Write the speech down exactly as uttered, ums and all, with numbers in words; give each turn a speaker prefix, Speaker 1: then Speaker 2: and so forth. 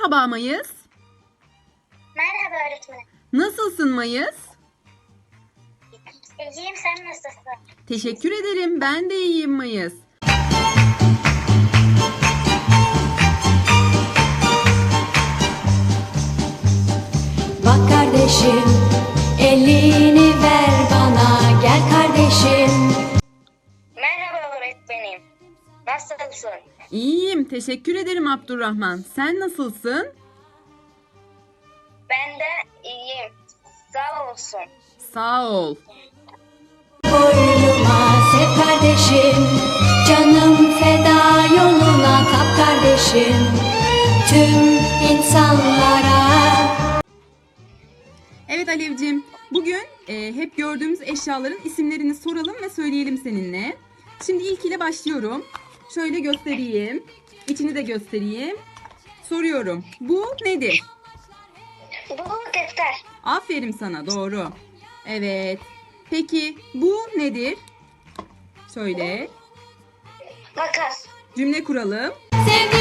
Speaker 1: Merhaba Mayıs.
Speaker 2: Merhaba öğretmenim.
Speaker 1: Nasılsın Mayıs?
Speaker 2: İyiyim, sen nasılsın?
Speaker 1: Teşekkür ederim. Ben de iyiyim Mayıs.
Speaker 3: Bak kardeşim, elini ver bana, gel kardeşim.
Speaker 2: Merhaba öğretmenim. Nasılsın?
Speaker 1: İyiyim. Teşekkür ederim Abdurrahman. Sen nasılsın?
Speaker 2: Ben de iyiyim. Sağ olsun.
Speaker 1: Sağ ol.
Speaker 3: Boynuma sev kardeşim, canım feda yoluna tap kardeşim. Tüm insanlara.
Speaker 1: Evet Alevciğim. Bugün e, hep gördüğümüz eşyaların isimlerini soralım ve söyleyelim seninle. Şimdi ilk ile başlıyorum. Şöyle göstereyim. İçini de göstereyim. Soruyorum. Bu nedir?
Speaker 2: Bu defter.
Speaker 1: Aferin sana. Doğru. Evet. Peki bu nedir? Söyle.
Speaker 2: Makas.
Speaker 1: Cümle kuralım.
Speaker 3: Sevgi